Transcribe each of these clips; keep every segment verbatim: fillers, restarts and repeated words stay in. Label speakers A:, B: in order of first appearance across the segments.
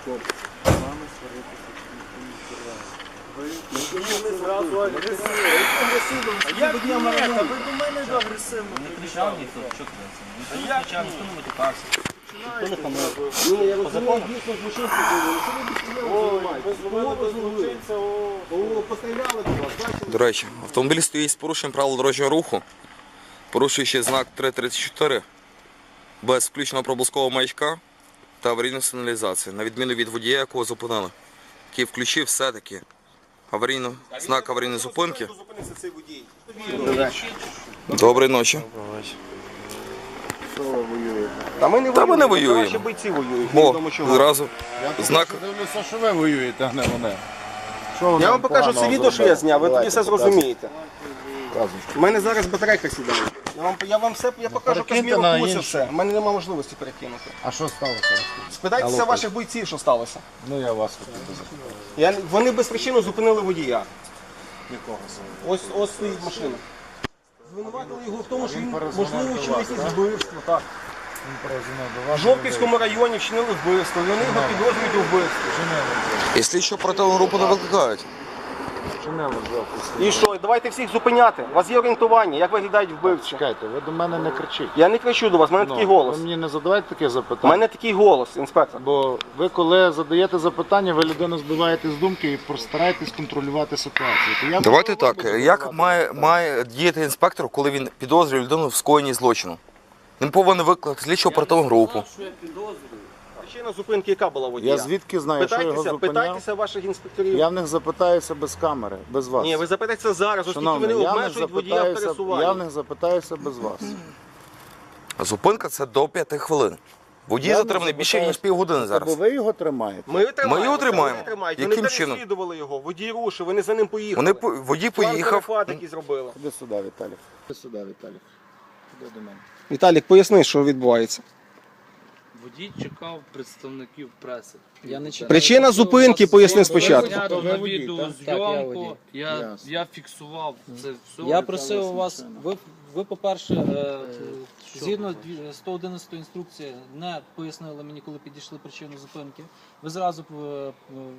A: Стоп. З вами сваритися ніхто не збирає. Ви ми зразу агресивно. Як ні? Та ви до мене ж агресивно.
B: Не кричав ніхто, що кричав? Ніхто не кричав, ніхто не матюкався. Ніхто не хамив.
A: Ні, я розумію, дійсно злочинці були. Що ви безпреділи займаєтесь? Ви зловили до злочинця, о, постріляли до вас, бачили?
C: До речі, автомобіль стоїть з порушенням правил дорожнього руху, порушуючи знак три тридцять чотири, без включеного проблискового маячка та аварійної сигналізації, на відміну від водія, якого зупинили, який включив все-таки аварійну, знак аварійної зупинки. Доброї ночі.
A: Та ми не
C: Та ми не воюємо.
A: Наші бойці воюють.
C: О,
A: невідомо чого.
C: зразу знак.
D: Дивлюся, що ви воюєте, а не вони.
A: Я вам покажу це відео, що я зняв, ви тоді все зрозумієте. У мене зараз батарейка сідає. Я вам, я вам все, я покажу
D: Перекиньте
A: Казміру
D: на
A: Куся
D: інше.
A: все. У мене немає можливості перекинути.
D: А що сталося?
A: Спитайтеся ваших бойців, що сталося.
D: Ну я вас хотів би запитати.
A: Я, вони без причини зупинили водія.
D: Якого саме?
A: Ось, ось стоїть машина. Звинуватили його в тому, що він,
D: перезвонив
A: можливо,
D: до
A: вчинив
D: вас,
A: якесь
D: так?
A: вбивство. Так.
D: Він перезвонив до
A: В
D: вас.
A: Жовківському районі вчинили вбивство, і вони його підозрюють у вбивстві.
C: І слідчо оперативну групу не викликають.
A: І що, давайте всіх зупиняти. У вас є орієнтування, як виглядають вбивці.
D: Чекайте, ви до мене не кричіть.
A: Я не кричу до вас, в мене такий голос.
D: Ви мені не задавайте таке
A: У
D: запитання.
A: мене такий голос, інспектор.
D: Бо ви коли задаєте запитання, ви людину збиваєте з думки і постараєтесь контролювати ситуацію. То я
C: Давайте
D: буду
C: так,
D: задавати
C: як має, має діяти інспектор, коли він підозрює людину в скоєнні злочину? Він повинен викликати слідчо оперативну групу.
A: Причина зупинки яка була водія?
D: Я звідки знаю, що його
A: Питайтеся,
D: зупиняв?
A: питайтеся ваших інспекторів.
D: Я в них запитаюся без камери, без вас.
A: Ні, ви запитайтеся зараз, оскільки
D: Шановний,
A: вони
D: я в них
A: обмежують водія в
D: запитаюся,
A: пересуванні.
D: я в них запитаюся без вас.
C: Зупинка це до п'яти хвилин. Водій
D: Я не
C: затриманий більше ніж
D: запитаюся.
C: півгодини
D: Бо
C: зараз.
D: ви його тримаєте.
A: Ми, тримаємо,
C: його тримаємо.
A: Вони, тримають.
C: Яким
A: вони
C: чином?
A: переслідували його, водій рушив, вони за ним поїхали.
C: Вони по- водій
A: План
C: поїхав.
A: перехват, який зробили.
D: Ходи сюди, Віталік. Ходи сюди, Віталік. Ходи до мене.
A: Віталік, поясни, що відбувається.
B: Водій чекав представників преси.
E: Я не чекаю.
A: Причина зупинки, поясни спочатку.
B: Зняти
D: Ви
B: на
D: водій,
B: відеозйомку,
E: водій.
B: я,
D: Ясно.
B: я фіксував це все.
E: Я просив у вас, ви, ви по-перше, е, згідно дві- сто одинадцятої інструкції, не пояснили мені, коли підійшли причину зупинки. Ви зразу е, е,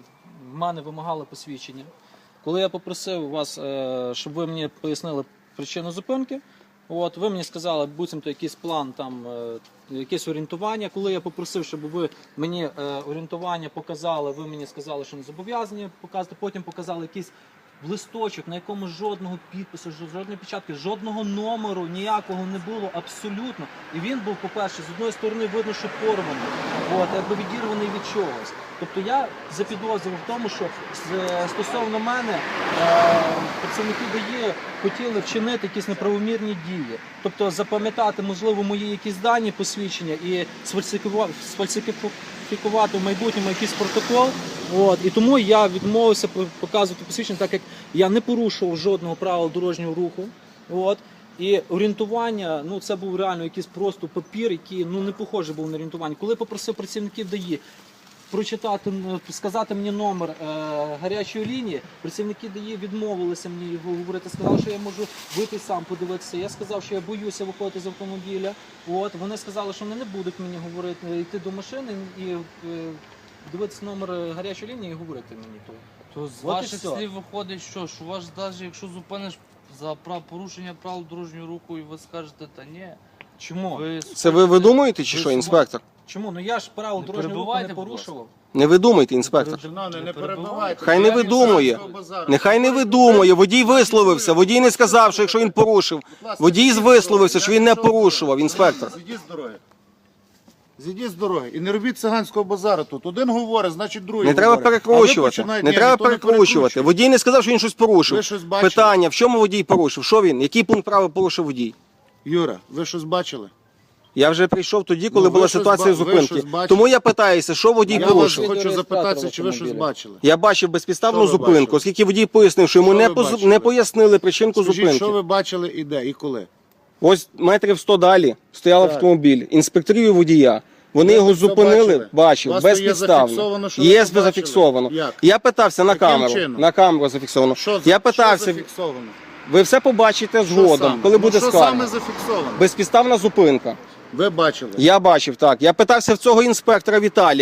E: в мене вимагали посвідчення. Коли я попросив вас, е, щоб ви мені пояснили причину зупинки, от, ви мені сказали, буцімто якийсь план, там, е, якесь орієнтування. Коли я попросив, щоб ви мені е, орієнтування показали, ви мені сказали, що не зобов'язані показати, потім показали якийсь листочок, на якому жодного підпису, жо- жодної печатки, жодного номеру ніякого не було абсолютно. І він був, по-перше, з одної сторони видно, що порваний, от, якби відірваний від чогось. Тобто я запідозрював в тому, що с- стосовно мене е, працівники ДАІ хотіли вчинити якісь неправомірні дії. Тобто запам'ятати, можливо, мої якісь дані, посвідчення і сфальсифікувати, сфальсифікувати в майбутньому якийсь протокол. От, і тому я відмовився показувати посвідчення, так як я не порушував жодного правил дорожнього руху. От. І орієнтування, ну це був реально якийсь просто папір, який ну не похожий був на орієнтування. Коли попросив працівників ДАІ прочитати, ну, сказати мені номер е, гарячої лінії, працівники ДАІ відмовилися мені його говорити, сказали, що я можу вийти сам подивитися. Я сказав, що я боюся виходити з автомобіля. От, вони сказали, що вони не будуть мені говорити, йти до машини і е, дивитися номер гарячої лінії і говорити мені то.
B: То з
E: От і
B: ваших
E: все.
B: слів виходить, що, що ваш, навіть якщо зупиниш за прав, порушення правил дорожнього руху і ви скажете, та ні,
E: Чому?
B: ви
A: Це ви видумуєте чи
B: Ви
A: що,
B: сама-
A: інспектор?
E: Чому? Ну я ж правил
B: Не
E: дорожнього руху
B: перебивайте,
E: не
B: будь ласка.
E: порушував.
A: Не видумуйте, інспектор.
D: Шановний, не
B: Не
D: перебивайте.
A: Хай не
D: Я
A: видумує.
D: від базару.
A: Нехай не видумує. Водій висловився. Водій не сказав, що якщо він порушив.
D: Будь ласка,
A: Водій
D: зійдіть з
A: висловився,
D: дороги.
A: що
D: Я
A: він не
D: пішов
A: порушував,
D: дорогою.
A: інспектор.
D: Зійдіть з дороги. Зійдіть з дороги. І не робіть циганського базару тут. Один говорить, значить другий
A: Не треба
D: говорить. А ви
A: перекручувати.
D: починаєте-
A: Не
D: Ні,
A: треба
D: ніхто не
A: перекручувати.
D: перекручує.
A: Водій не сказав, що він щось порушив.
D: Ви щось бачили?
A: Питання, в чому водій порушив? Що він? Який пункт права порушив водій?
D: Юра, ви щось бачили?
A: Я вже прийшов тоді, коли
D: Ну, ви
A: була
D: щось
A: ситуація
D: ба- ви
A: зупинки.
D: щось бачили?
A: Тому я питаюся, що водій
D: Я вас
A: порушив.
D: хочу запитатися,
E: Реєстратор
D: чи ви щось
E: автомобіля.
D: бачили?
A: Я бачив безпідставну
D: Що ви
A: зупинку,
D: бачили?
A: оскільки водій пояснив, що йому
D: Що
A: не,
D: ви
A: поз-
D: бачили?
A: не пояснили причинку
D: Скажіть,
A: зупинки.
D: що ви бачили і де, і коли?
A: Ось метрів сто далі стояв
D: Так.
A: автомобіль, інспекторів і водія. Вони
D: Ви
A: його
D: це все
A: зупинили,
D: бачили?
A: бачив,
D: У вас то є
A: безпідставно.
D: зафіксовано, що ви
A: Є
D: це бачили?
A: зафіксовано.
D: Як?
A: Я питався на
D: Яким
A: камеру.
D: чином?
A: На камеру зафіксовано.
D: Що,
A: Я питався,
D: що зафіксовано?
A: ви все побачите
D: Що
A: згодом,
D: саме?
A: коли
D: Ну,
A: буде
D: що
A: скарга.
D: саме зафіксовано?
A: Безпідставна зупинка.
D: Ви бачили?
A: Я бачив, так. Я питався в цього інспектора Віталіка.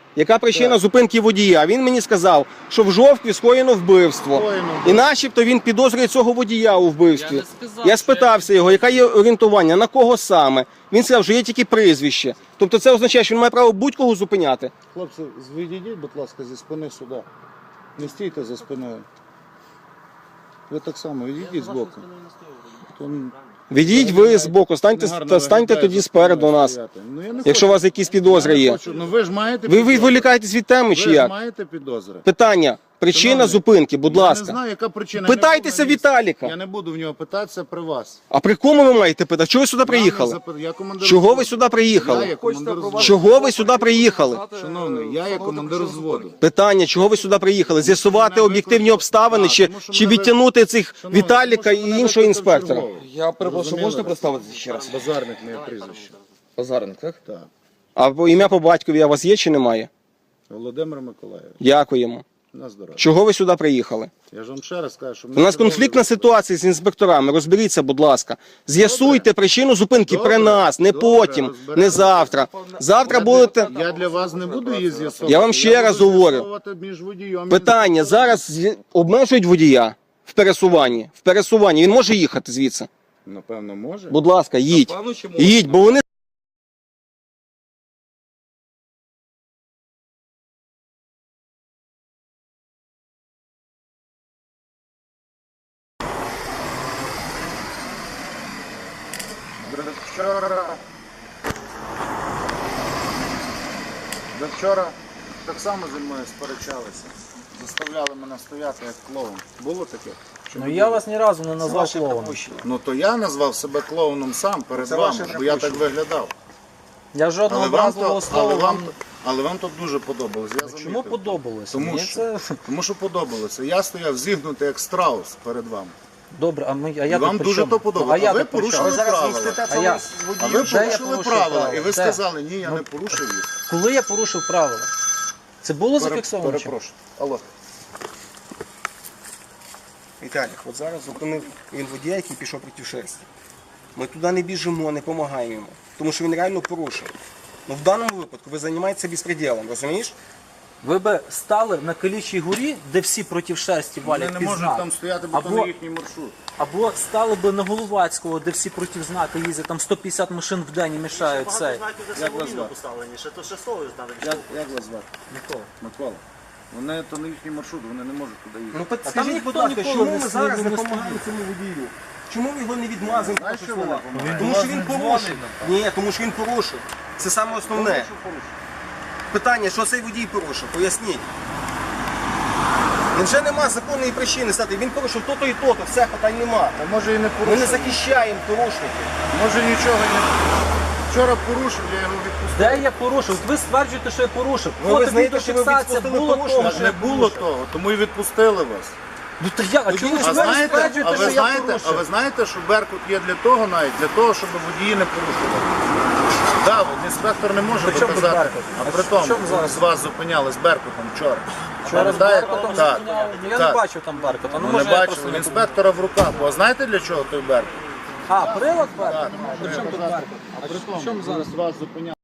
F: Яка причина зупинки водія? Він мені сказав, що в жовтні скоєно вбивство.
D: Скоєно
F: І начебто він підозрює цього водія у вбивстві.
B: Я не сказав,
F: Я
B: що
F: спитався його, яке є орієнтування, на кого саме. Він сказав, що є тільки прізвище. Тобто це означає, що він має право будь-кого зупиняти.
D: Хлопці, відійдіть, будь ласка, зі спини сюди. Не стійте за спиною. Ви так само відійдіть з боку. То
F: Відійдіть ви з боку, станьте,
D: негарно
F: та станьте
D: виглядає
F: тоді
D: за
F: спереду
D: спиною
F: нас.
D: стояти. Ну, я не
F: Якщо у
D: хочу.
F: вас якісь підозри
D: Я не
F: є.
D: хочу. Ну ви ж маєте
F: Ви
D: підозри.
F: відволікаєтесь від теми чи
D: Ви ж
F: як?
D: маєте підозри.
F: Питання. Причина
D: Шановний,
F: зупинки, будь
D: Я не
F: ласка.
D: знаю, яка причина.
F: Питайтеся
D: Я не буду на місці.
F: Віталіка.
D: Я не буду в нього питатися при вас.
F: А при кому ви маєте питати? Чого ви сюди приїхали?
D: Я не запит- я командир
F: Чого ви
D: взводу.
F: сюди
D: Я
F: приїхали?
D: є командир взводу.
F: Чого ви сюди приїхали?
D: Шановний, я є командир взводу.
F: Питання, чого ви сюди приїхали? З'ясувати
D: Мене
F: об'єктивні
D: викликали-
F: обставини
D: Так,
F: чи,
D: тому що
F: чи
D: мене ви-
F: відтягнути цих
D: Шановний,
F: Віталіка
D: тому що
F: і
D: мене
F: іншого
D: викликали
F: інспектора?
D: чергового.
C: Я перепрошую,
D: Розуміли?
C: можете представитися ще раз?
D: Базарник моє прізвище.
C: Базарник, так?
D: Так.
F: А по- ім'я по батькові у вас є чи немає?
D: Володимир Миколаївич.
F: Дякуємо.
D: На здоров'я.
F: Чого ви сюди приїхали?
D: Я ж вам ще раз кажу, що
F: У нас конфліктна ситуація з інспекторами. Розберіться, будь ласка. З'ясуйте причину зупинки
D: Добре.
F: при нас, не
D: Добре,
F: потім,
D: розберемося.
F: не завтра. Завтра будете.
D: Я для вас не буду її з'ясовувати.
F: Я вам ще раз
D: буду
F: говорю.
D: з'ясовувати між водієм і
F: Питання.
D: інспектором.
F: Зараз з'я- обмежують водія в пересуванні. В пересуванні. Він може їхати звідси.
D: Напевно, може.
F: Будь ласка, їдь.
C: Напевно, чи може?
F: Їдь, бо вони.
D: Вчора... До вчора так само зі мною сперечалися. Заставляли мене стояти як клоун. Було таке? Чи
E: Ну
D: не
E: я
D: було?
E: вас ні разу не назвав клоуном.
D: Ну то я назвав себе клоуном сам перед
F: Це
D: вами,
F: ваше
D: бо я так виглядав.
E: Я жодного
D: Але вам,
E: образливого
D: то,
E: слова
D: але, вам,
E: вам...
D: то- але вам тут дуже подобалось. Я
E: Чому
D: замітив.
E: подобалося?
D: Тому
E: Мені
D: що,
E: це...
D: тому що подобалося. Я стояв зігнутий як страус перед вами.
E: Добре, а, ми, а
D: І
E: я
D: вам
E: тут при
D: дуже
E: чому?
D: то подобалося.
E: А я
D: А ви
E: тут при чому?
D: порушили правила.
E: А я...
D: А ви
E: Де я
D: порушили
E: порушив
D: правила.
E: правила?
D: І ви
E: Де?
D: сказали, ні, я
E: Ну,
D: не порушив їх.
E: Коли я порушив правила? Це було
D: Пере-
E: зафіксовано? чи?
D: Перепрошую. Алло.
F: Віталій, от зараз зупинив він водія, який пішов проти шерсті. Ми туди не біжимо, не допомагаємо йому, тому що він реально порушив. Ну в даному випадку ви займаєтеся безпреділом, розумієш?
E: Ви би стали на Калічій горі, де всі проти шерсті
D: Вони
E: валять
D: не
E: під
D: можуть
E: знак.
D: там стояти, бо то
E: Або-
D: не їхній маршрут.
E: Або стали би на Головацького, де всі проти знака їздять, там сто п'ятдесят машин в день і мішають цей.
D: Як вас звати? Як, як вас звати?
E: Микола.
D: Микола. Вони то не їхній маршрут, вони не можуть туди їхати.
F: Ну
E: там
F: підскажіть, будь
E: ніхто
F: ласка,
E: ніколи
F: чому
E: не
F: ми
E: стоїть,
F: зараз
E: не
F: допомагаємо
E: стоїть.
F: цьому водію? Чому ми його не відмазуємо?
D: Знаєш,
F: проти
D: що ви
F: слова?
D: не допомагаєте?
F: Тому що він порушив. Ні, тому що він порушив. Це саме основне. Питання, що цей водій порушив? Поясніть. Невже нема законної причини стати? Він порушив то-то і то-то, все, питань нема.
D: А може і не
F: Ми
D: порушив.
F: не захищаємо порушників.
D: Може нічого і не... Вчора порушив, я його відпустив.
E: Де я порушив? От ви стверджуєте, що я порушив.
F: Ви
E: Фото,
F: визнаєте, що ви
E: відеофіксація,
F: відпустили
E: було
F: порушення?
E: того,
D: Так
E: що
D: не
E: я
D: було
E: порушив.
D: того, тому і відпустили вас.
E: Ну то я, а чому ви
D: А знаєте, а
E: стверджуєте,
D: ви
E: що я
D: знаєте, а ви
E: порушив?
D: знаєте, що Беркут є для того навіть, для того, щоб водії не порушували. Так, от інспектор не може
E: При чому тут
D: доказати.
E: Беркут?
D: А
E: А
D: при
E: в
D: тому,
E: чому зараз?
D: з вас зупиняли з Беркутом вчора.
E: Вчора з
D: Пам'ятаєте?
E: Беркутом
D: Так.
E: зупиняли? Ну, я
D: Так.
E: не бачив там Беркута. Ну,
D: Ну,
E: може,
D: не
E: я
D: бачили,
E: просто
D: в
E: не
D: інспектора в руках. Бо знаєте для чого той Беркут?
E: А, прилад Беркут?
D: Так.
E: При чому тут Беркут? А при чому зараз?
D: З вас зупиняли.